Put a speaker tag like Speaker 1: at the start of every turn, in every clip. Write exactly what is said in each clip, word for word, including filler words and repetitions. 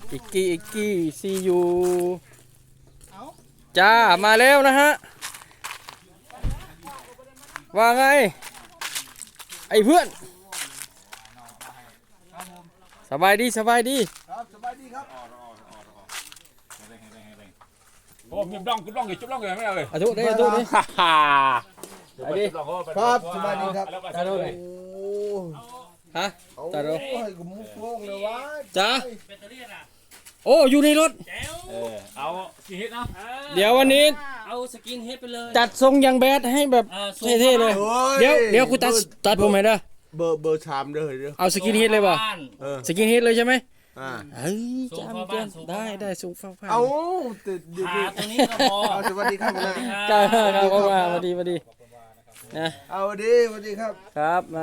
Speaker 1: อิกกี้อิกกี้ซียูจ้ามาแล้วนะฮะว่าไงไอ้เพื่อนสบายดีสบายดี
Speaker 2: ครับสบายดีครับ
Speaker 3: โอ้มีบล้องจุบล้องอยู่จุบล้องอยู่ไม่เอาเลย
Speaker 1: อาทุได้อาทุได้ฮ่าฮ่าไอ้ดิ
Speaker 2: ครับสบายดีครับ
Speaker 1: จ้าดูเลยฮะจ้าดู
Speaker 2: ให้กูมุกโล่งเลยวะ
Speaker 1: จ้าโอ้อยู่ในรถ
Speaker 3: เออเอาสีเฮ็ดเนาะ
Speaker 1: เดี๋ยววันนี้
Speaker 4: เอาสกินเฮดไปเลย
Speaker 1: จัดทรงยังแบดให้แบบเท่ๆเลยเดี๋ยวเดี๋ยวกูตัดตัดผมให้เด้อ
Speaker 2: เบอร์เบอร์ชามเด้อเด้อ
Speaker 1: เอาสกินเฮดเลยป่ะ
Speaker 2: เออ
Speaker 1: สกินเฮดเลยใช่ไหม
Speaker 2: อ่า
Speaker 1: เฮ้ยจำเกินได้ได้สูงฟ้าฟ้า
Speaker 2: เอาติดดี
Speaker 4: หาตรงนี้ก็พอ
Speaker 2: สวัสดีครับนะ
Speaker 1: จ้าครับเข้ามาสวัสดีสวัสดีนะ
Speaker 2: เอาดีสวัสดีครับ
Speaker 1: ครับมา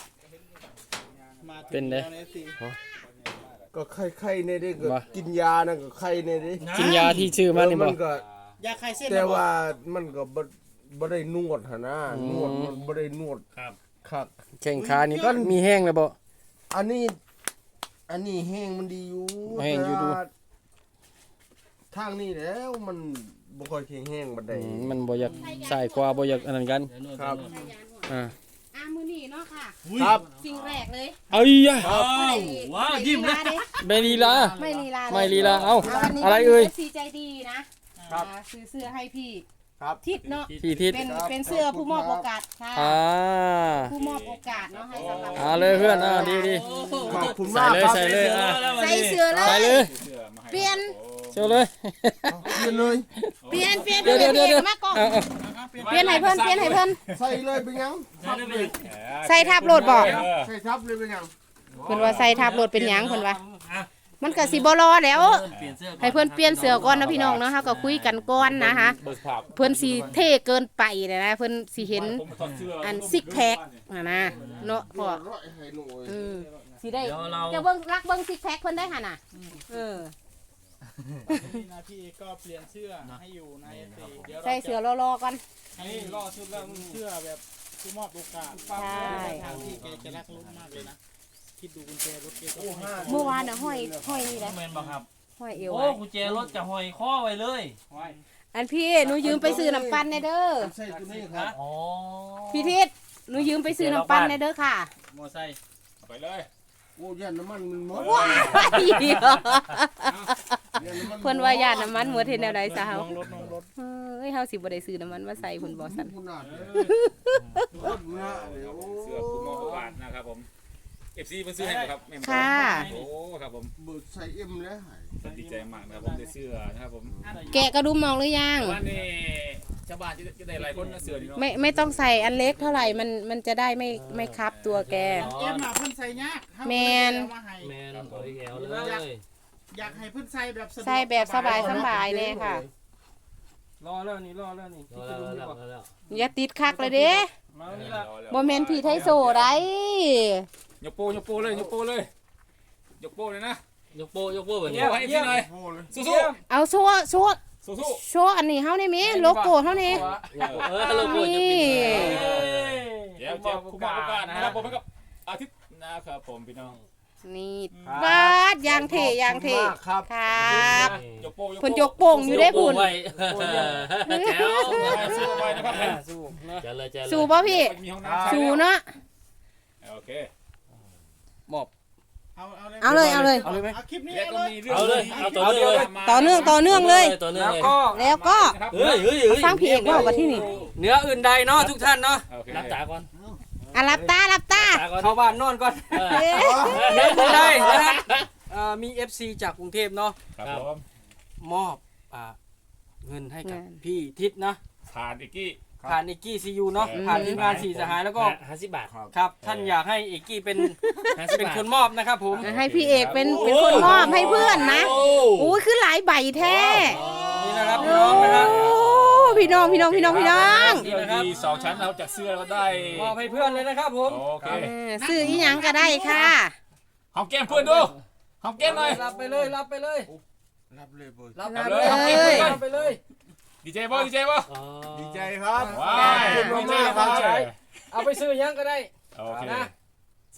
Speaker 1: เป็นไง
Speaker 2: ก็ไข้ไข้ในนี้ก็กินยานะก็ไข้ในนี้
Speaker 1: กินยาที่ชื่อมันนี่
Speaker 2: มั
Speaker 1: บ่
Speaker 2: นก็
Speaker 5: ยาคลายเส้น
Speaker 2: แต่ว่ามันก็บ่บ่ได้นวดหนนะนวดมันบ่ได้นวด
Speaker 4: ครับ
Speaker 2: ครับ
Speaker 1: แข้งขานี่ก็มีแห้งเลยบ่
Speaker 2: อันนี้ อันนี้แห้งมันดีอยู่
Speaker 1: แห้งอยู่ดู
Speaker 2: แต่ว่าทางนี้แล้วมันบ่ค่อยแข็งแห้งบันได
Speaker 1: อืมมันบ่อยากใส่กว่าบ่อยากอันนั้นกัน
Speaker 2: ครับ
Speaker 1: อ่า
Speaker 6: อ่ะมือนี่เนาะค่ะ
Speaker 2: ครับ
Speaker 6: สิ่งแรกเลย
Speaker 1: เอ้ยอะ
Speaker 4: ว้าวว้าวยิ้มเลย
Speaker 1: ไม่ลีลา
Speaker 6: ไม่ลีลา
Speaker 1: ไม่ลีลาเอ้า
Speaker 6: วันนี้
Speaker 1: อะไรเอ่ย
Speaker 6: ซีใจดีนะครับ อ่าซื้อเสื้อให้พี่
Speaker 2: ครับ
Speaker 6: ทิศเนาะ
Speaker 1: พี่ทิศ
Speaker 6: เป็นเป็นเสื้อผู้มอบโอกาสค่ะ
Speaker 1: อ่า
Speaker 6: ผู้มอบโอกาสเนาะให้สำหรับ
Speaker 1: เอาเลยเพื่อนอ่าดีดี
Speaker 2: ขอบคุณ
Speaker 1: ใส่
Speaker 2: มาก
Speaker 1: เลย
Speaker 2: ครับ
Speaker 1: ใส่เลยอ่ะ
Speaker 6: ใส่เสื้อเล
Speaker 1: ใส่
Speaker 6: ย
Speaker 1: เลย
Speaker 6: เปลี่ยน
Speaker 1: เชียวเลย
Speaker 2: เปลี่ยนเลย
Speaker 6: เปลี่ยนเปลี่ยน
Speaker 1: เดี๋ยวเดี๋ยวเดี๋ยวเดี๋ยว
Speaker 6: มากล้อง
Speaker 1: เอาเอา
Speaker 6: เปลี่ยนให้เพิ่นเปลี่ยนให้เพิ่น
Speaker 2: ใส่เลยเป็นยังทับเลย
Speaker 6: ใส่ทับโหลดบ่
Speaker 2: ใส่ทับเลยเป็นยัง
Speaker 6: เพิ่นว่าใส่ทับโหลดเป็นหยังเพิ่นว่ามันก็สิบ่รอแล้ว
Speaker 4: เปลี่ยนเสื้อ
Speaker 6: ให้เพิ่นเปลี่ยนเสื้อก่อนนะพี่น้องเนาะเฮาก็คุยกันก่อนนะคะ
Speaker 3: เบิกภาพ
Speaker 6: เพิ่นสิเท่เกินไปนะนะเพิ่นสิเห็น
Speaker 3: ผมถอดเสื้อ
Speaker 6: อันซิกแพคนะนะเนาะพ่อ
Speaker 2: ร้อยให้หน่อย
Speaker 6: อืมสิได้
Speaker 4: เดี๋ยวเรา
Speaker 6: จะเบิ่งรักเบิ่งซิกแพคเพิ่นได้หั่นน่ะเออ
Speaker 5: นี่นะพี่ก็เปลี่ยนเสื้อให้อยู่ในสีเดี๋ยวเรา
Speaker 6: ใส่เสื้อรอๆก่อน
Speaker 5: ให้รอชุดแล้วเสื้อแบบผู้มอบโอกาส
Speaker 6: ใช่
Speaker 5: ทางที่แกจะรักลุ้มมากเลยนะคิดดูกุญแจรถแกก็ให้
Speaker 6: เมื่อวานน่ะห้อยห้อยนี่แหละ
Speaker 4: แมนบอกครับ
Speaker 6: ห้อยเอว
Speaker 4: โอ้
Speaker 6: ไว้
Speaker 4: กุญแจรถกับหอยข้อไว้เลย
Speaker 6: อันพี่หนูยืมไปซื้อน้ำปั่นแน่เด้อ
Speaker 2: ใส่ตัวนี้ครับ
Speaker 4: อ๋อ
Speaker 6: พี่ทิศหนูยืมไปซื้อน้ำปั่นแน่เด้อค่ะ
Speaker 5: มอไซค์
Speaker 3: ไปเลย
Speaker 2: โอ้ยันน้ำมันมันหมด
Speaker 6: ว้ายเพิ่นว่าญาติน้ำมันหมดเฮ็ดแนวใดซะเฮา
Speaker 5: ลงรถลงรถ
Speaker 6: เอ้ยเฮาสิบ่ได้ซื้อน้ำมันมาใส่เพิ่นบ่ซั่น
Speaker 2: ขนาดเลยรถนะเดี๋ยว
Speaker 3: เสื้อคุณมองประวัตินะครับผม เอฟ ซีมันซื้อให้ครับแม่
Speaker 6: ค่ะ
Speaker 3: โอ้ครับผม
Speaker 2: เบิดใส่เอ็มแล้ว
Speaker 3: ดีใจมากนะครับผมได้เสื้อนะครับผม
Speaker 6: แกะกระดุมมองหรือยัง
Speaker 3: วันนี้ชาวบ้านจะจะได้หลายคนนะเสื้อนี่เนาะ
Speaker 6: ไม่ไม่ต้องใส่อันเล็กเท่าไหร่มันมันจะได้ไม่ไม่คับตัวแก
Speaker 5: เอ็มมาเพิ่นใส่ยาก
Speaker 6: แมน
Speaker 5: เอามาให้
Speaker 4: แมนขออีกแอลเลย
Speaker 5: อยากให้เพิ่นใส่แบบสะดวก
Speaker 6: ใส่แบบสบายสบายๆเลยค่ะ
Speaker 1: รอแล้วนี่รอแล้วนี่
Speaker 4: รอแล้วรอแล้วรอแล้ว
Speaker 6: อย่าติดคักเลยเด้
Speaker 1: มานี่ละ
Speaker 6: บ่แม่นผีไทยโซได้
Speaker 3: ยกโป้ยกโป้เลยยกโป้เลยยกโป้เลยนะ
Speaker 4: ยกโป้ยกโป้แบบ
Speaker 3: เยี่
Speaker 4: นี้
Speaker 3: ยมให้พี่หน่อย
Speaker 2: โอ้เลย
Speaker 3: สู้
Speaker 6: เอาโซ่โซ่
Speaker 3: ๆสู้
Speaker 6: โซ่อันนี้เฮาได้มั้ยโลโก้เฮานี่
Speaker 4: เออโลโก้จะเป็น
Speaker 3: ๆเดี๋ยวเจ้าคุณมองประวัตินะครับผมกับอาทิตย์นะครับผมพี่น้อง
Speaker 6: นี่บาดยางเทยางเท
Speaker 2: ขอบคุณมากครับ
Speaker 6: ครับ
Speaker 3: ยกโป้ยก
Speaker 6: เพิ่นย
Speaker 3: โป้
Speaker 6: กโป่งอยู่ได้พุ่น
Speaker 4: ไว้แจ๋ว
Speaker 3: สู้ไปนะครับ
Speaker 1: สู้นะ
Speaker 4: เจ๋วเลยเจ๋วเลย
Speaker 6: สู้บ่พี่
Speaker 3: มีห้องน้ำ
Speaker 6: สู้เนาะ
Speaker 3: โอเค
Speaker 1: มอบ
Speaker 5: เอาเอาเลย
Speaker 6: เอาเลยเอาเลย
Speaker 1: เอาเลยไหม
Speaker 5: เอาคลิปนี้
Speaker 3: แล้วก็
Speaker 5: เลย
Speaker 3: มีเรื่อง
Speaker 4: เอาเลยเอาต่อเนื่องเลย
Speaker 6: ต่อเนื่องต่อเนื่องเลย
Speaker 4: ต่อเนื่อง
Speaker 1: แล้ว
Speaker 4: เลย
Speaker 1: ก็
Speaker 6: แล้วก็
Speaker 4: เฮ้ยเฮ้ยเฮ้ย
Speaker 6: ฟังพี่เอกว่าว่าที่นี่
Speaker 1: เหนืออื่นใดเนาะทุกท่านเนาะ
Speaker 3: โอเค
Speaker 4: รับตาก่อน
Speaker 6: อ่ะรับตารับตา
Speaker 4: ตาก่อน
Speaker 1: เข้าบ้านนอนก่อน
Speaker 4: เออ
Speaker 6: เอ๊ะ
Speaker 1: เหนืออื่นใดนะฮะเอ่อมี เอฟ ซี จากกรุงเทพเนาะ
Speaker 3: ครับผม
Speaker 1: มอบอ่าเงินให้กับพี่ทิศนะ
Speaker 3: ผ่านอีกกี้
Speaker 1: ผ่านเอกกี้ซียูเนาะ
Speaker 3: อืม
Speaker 1: ผ่านทีมงานสี่สหายแล้วก็
Speaker 4: ห้าสิบบาท
Speaker 1: ครับท่านอยากให้เอกกี้เป็น
Speaker 4: ห้าสิบ
Speaker 1: เป็น
Speaker 4: บาท
Speaker 1: คนมอบนะครับผม
Speaker 6: ให้พี่เอกเป็นเป็นคนมอบให้เพื่อนนะ
Speaker 4: โอ้
Speaker 6: โอ้ยคือหลายใบแท้
Speaker 1: นี่นะครับพี่
Speaker 6: โอ้
Speaker 1: น้องนะฮะ
Speaker 6: พี่น้องพี่น้องพี่น้องพี่น้อง
Speaker 3: เสื้อดีสองชั้นเราจากเสื้อเราก็ได้
Speaker 1: มอบให้เพื่อนเลยนะครับผม
Speaker 3: โอเค
Speaker 6: เออซื้ออีหยังก็ได้ค่ะ
Speaker 3: หอมแก้มเพื่อนดูหอมแก้มหน่อย
Speaker 1: รับไปเลยรับไปเลย
Speaker 2: รับเลยเบิด
Speaker 1: รับ
Speaker 3: รับ
Speaker 1: เล
Speaker 3: เลย ย
Speaker 1: รับไปเลยรับไปเลย
Speaker 3: ดีเจบ่ดีเจบ่
Speaker 4: อ๋อ
Speaker 2: ดีใจครับ
Speaker 3: ว้า
Speaker 2: ขอบคุณมากๆครับ
Speaker 1: เอาไปซื้อยังก็ได้
Speaker 3: โอเค
Speaker 1: นะ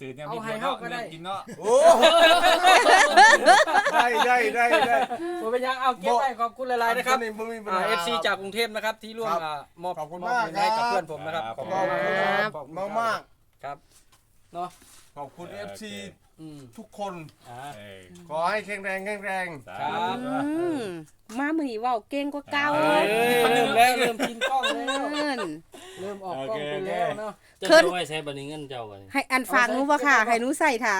Speaker 3: สื่อเนี่ยมีคนเนาะเงินกินเนาะ
Speaker 2: โอ้ได้ได้ได้ได้
Speaker 1: ผมเป็นยังเอาเก็บไว้ขอบคุณหลายๆนะครับ
Speaker 2: นี่บ่มีปัญ
Speaker 1: อ่า
Speaker 2: หา
Speaker 1: เอฟซีจากกรุงเทพนะครับที่ร่วม
Speaker 2: ครับ
Speaker 1: อ่ามอบ
Speaker 2: ขอบคุณ
Speaker 1: มอบ
Speaker 2: มาก
Speaker 1: เงินให้กับ
Speaker 2: ครับ
Speaker 1: เพื่อนผมนะครับขอบ
Speaker 2: ข
Speaker 1: คุ
Speaker 2: อบ
Speaker 1: ณ
Speaker 2: คุณ
Speaker 1: มาก
Speaker 2: ครับ
Speaker 1: ขอบคุณ
Speaker 2: มากมาก
Speaker 1: ครับเนาะ
Speaker 2: ๆขอบคุณ เอฟ ซี
Speaker 1: อืม
Speaker 2: ทุกคน
Speaker 1: อ่า
Speaker 3: เออ
Speaker 2: ขอให้แข็งแรงแข็งแรง
Speaker 3: สาธุ
Speaker 6: อืมมามื้อนี้เว้าเก่งกว่าเก่า
Speaker 1: เอ้ยเริ่มแล้วเริ่มกินกล้องแล้ว
Speaker 6: เอิ้น
Speaker 1: เริ่มออกกล้องไปแล้วเนาะ
Speaker 4: จะเอาไว้ใช้บัดนี้เงินเจ้าบัดนี้
Speaker 6: ให้อันฝากหนูบ่ค่ะให้หนูใส่ถา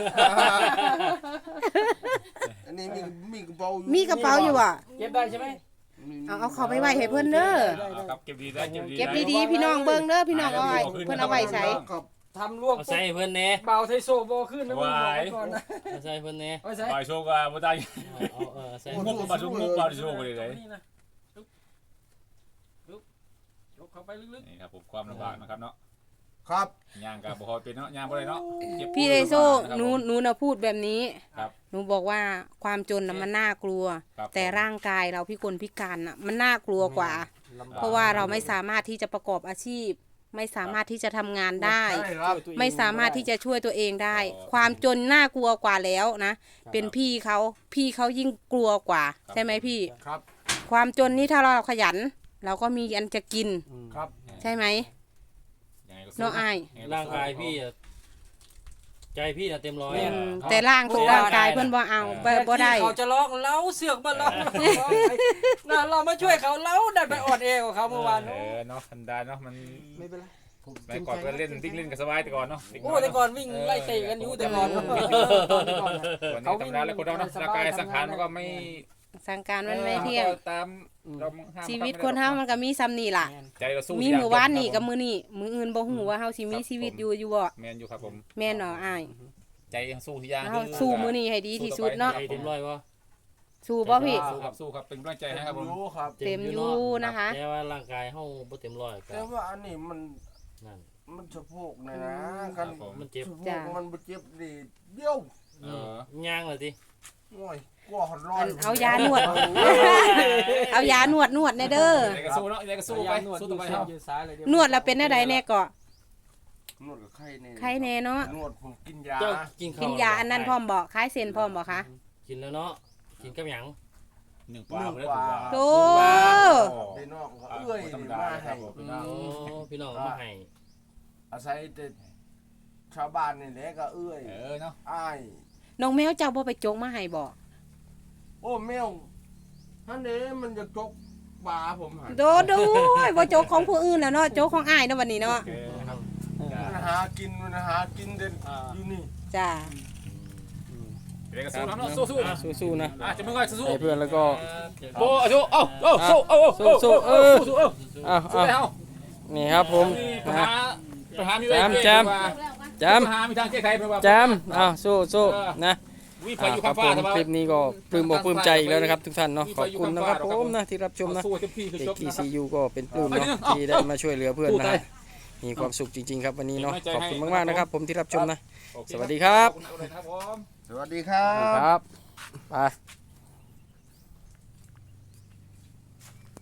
Speaker 2: อันนี้มีมีกระเป๋าอยู่
Speaker 6: มีกระเป๋าอยู่อ่ะ
Speaker 1: เก็บได้ใช่ไหม
Speaker 6: เอาเอาเขาไปไว้ให้เพิ่นเด้อ
Speaker 3: เอาครับเก็บดีได้เก็บดี
Speaker 6: เก็บดีๆพี่น้องเบิ่งเด้อพี่น้องเอาไว้เพิ่นเอาไว้ใช้
Speaker 2: ครับ
Speaker 1: ทำลวก
Speaker 4: เอาใส่เพิ่นแหน่
Speaker 1: เบาไทโซโบขึ้นนะมึงบอกไว้ก่อนนะ
Speaker 4: เอาใส่เพิ่นแหน่
Speaker 1: เอาใส่
Speaker 3: บ่ายโชว์กับบ่ได้
Speaker 4: เอาเออใส่
Speaker 3: มุกบ่ชุกมุกบ่ได้โชว์เลยเลย
Speaker 1: นี่นะลุกลุกยกเข้าไปลึก
Speaker 3: นี่ครับผมความลำบากนะครับเนาะ
Speaker 2: ครับ
Speaker 3: ย่างกับบ่ค่อยเป็นเนาะย่างบ่ได้เนาะเจ็บ
Speaker 6: พี่ไดโซหนูหนูน่ะพูดแบบนี้
Speaker 3: ครับ
Speaker 6: หนูบอกว่าความจนน่ะมันน่ากลัว
Speaker 3: ครับ
Speaker 6: แต่ร่างกายเราพิกลพิการน่ะมันน่ากลัวกว่า เพราะว่าเราไม่สามารถที่จะประกอบอาชีพ ไม่สามารถที่จะทำงานได้
Speaker 2: ใช่ครับ
Speaker 6: ไม่สามารถที่จะช่วยตัวเองได้ ความจนน่ากลัวกว่าแล้วนะ เป็นพี่เขาพี่เขายิ่งกลัวกว่า ใช่ไหมพี่
Speaker 2: ครับ
Speaker 6: ความจนนี่ถ้าเราขยัน เราก็มีอันจะกิน
Speaker 2: ครับ
Speaker 6: ใช่ไหม
Speaker 3: ยังไงก็สู้
Speaker 6: เนาะอาย
Speaker 4: ร่างกายพี่อะใจพี่น่ะเต็มร้อย
Speaker 6: อืมแต่ร่างทุกร่างกายเพื่อนบ่เอาบ่บ่ได้
Speaker 1: เขาจะร้องเล้าเสือกมาเล้าน่าเรามาช่วยเขาเล้าดันไปอ่อนแอกว่าเขาเมื่อวาน
Speaker 3: เออเนาะธรรมดาเนาะมัน
Speaker 1: ไม่เป็นไร
Speaker 3: ไปก่อนก็เล่นดิ้งเล่นกันสบายแต่ก่อนเนาะ
Speaker 1: โอ้แต่ก่อนวิ่งไล่เตะกันอยู่แต่ก่อน
Speaker 3: ส่วนนี้ธรรมดาแล้วคนเราเนาะร่างกายสังขารมันก็ไม่
Speaker 6: สังการมันไม่เที่ยง
Speaker 3: ตามเราห้าม
Speaker 6: ชีวิตคนเฮามันก็มีซ้ำนี่ล่ะ
Speaker 3: ใจเราสู้
Speaker 6: มีมื้อวานนี่กับมื้อนี้มื้ออื่นบ่ฮู้ว่าเฮาสิมีชีวิตอยู่อยู่บ่
Speaker 3: แมนอยู่ครับผม
Speaker 6: แม่นเนาะอ้าย
Speaker 3: ใจยังสู้ที่ย่าง
Speaker 6: เฮาสู้มื้อนี้ให้ดีที่สุดเนาะ
Speaker 4: ใจเต็มร้อยบ่
Speaker 6: สู้บ่พี่
Speaker 3: สู้ครับสู้ครับเป็นกำลังใจให้ครับผม
Speaker 2: รู้ครับ
Speaker 6: เต็มอยู่นะคะ
Speaker 4: แต่ว่าร่างกายเฮาบ่เต็มร้อยก็
Speaker 2: แต่ว่าอันนี้มัน
Speaker 4: นั่น
Speaker 2: มันสะโพกนะนะกัน
Speaker 4: มันเจ็บ
Speaker 2: สะโพกมันบ่เจ็บนี่เบี้ยว
Speaker 3: เออ
Speaker 4: ย่างเลยสิ
Speaker 2: โอ้ยกลัวหอนร้อ
Speaker 6: อั
Speaker 2: น
Speaker 6: นเอายานวด เอายานวดนวดแน่เด้อ
Speaker 3: ยังไงก็สู้เนาะยังไงก็สู้ไปสู้ต่อไปครับ
Speaker 1: ยืนซ้ายเลย
Speaker 6: นวดแล้วเป็นแนวใดแน่ก็
Speaker 2: นวดกับไข้นี่
Speaker 6: ไข้แน่เนาะ
Speaker 2: นวดผมกินยา
Speaker 4: เจ้ากินข้าว
Speaker 6: กินยาอันนั้นพร้อมบ่คล้ายเซนพร้อมบ่คะ
Speaker 4: กินแล้วเนาะกินกับหยัง
Speaker 3: หนึ่งปลาเลย
Speaker 6: โอ้
Speaker 2: ไปนอกก็เอื้อย
Speaker 3: ธรรม
Speaker 2: นี่
Speaker 3: ดา
Speaker 2: มา
Speaker 3: ครั
Speaker 2: ให้
Speaker 3: บผม
Speaker 4: โอ้พี่น้องเอามาให้
Speaker 2: อาศัยแต่ชาวบ้านนี่แหละก็เอื้อย
Speaker 3: เออเนาะ
Speaker 2: อ้าย
Speaker 6: น้องแมวเจ้าบ่ไปจกมาให้บ่
Speaker 2: โอ้แมวท่านนี้มันจะจกปลาผมหัน
Speaker 6: โดดูบ่จกของผู้อื่นแล้วเนาะจกของอ้ายเนาะวันนี้เนาะ
Speaker 3: โอเคนะครับ
Speaker 2: มันหากินมันหากินเด่นอยู่นี่
Speaker 6: จ้า
Speaker 3: ยังไงก็สู้เนาะสู้สู้
Speaker 1: สู้ๆนะ
Speaker 3: อ่ะจะมึงก็สู้
Speaker 1: ให้เพื่อนแล้วก็
Speaker 3: โอ้สู้เอ้าเอ้าสู้เอ้า
Speaker 1: สู้ๆเออ
Speaker 3: สู้เอ้า
Speaker 1: อ้าว
Speaker 3: สู้
Speaker 1: อ้าว
Speaker 3: แล้ว
Speaker 1: นี่ครับผม
Speaker 3: ปัญ
Speaker 1: นะ
Speaker 3: หาปัญหามีไว้
Speaker 1: แจม จ
Speaker 3: ปัญหามีทางแก้ไขเป็นว่า
Speaker 1: ำจำอ้าวสู้ๆนะ
Speaker 3: วิไฟ
Speaker 1: อ่า
Speaker 3: อยู่
Speaker 1: ครั
Speaker 3: ข้า
Speaker 1: บ
Speaker 3: ง
Speaker 1: ผ
Speaker 3: ฟ้าม แต่ว่า
Speaker 1: คลิปนี้ก็ปลื้มอกปลื้มใจอีกแล้วนะครับทุกท่านเนาะขอบคุณนะครับผมนะที่รับชมนะ
Speaker 3: สู้เต็มที่คือ
Speaker 1: เด็ก
Speaker 3: จบ
Speaker 1: ที
Speaker 3: นะครั
Speaker 1: ซี
Speaker 3: บ
Speaker 1: ยูก็เป็นปลื้มเนาะที่ได้มาช่วยเหลือเพื่อนนะฮะมีความสุขจริง ๆ ครับวันนี้เนาะขอบคุณมากๆนะครับผมที่รับชมนะ
Speaker 3: โอเค
Speaker 1: สวัสดีครับ
Speaker 3: ขอณครับผม
Speaker 2: สวัสดีครั
Speaker 1: ค
Speaker 2: บ
Speaker 1: รับไป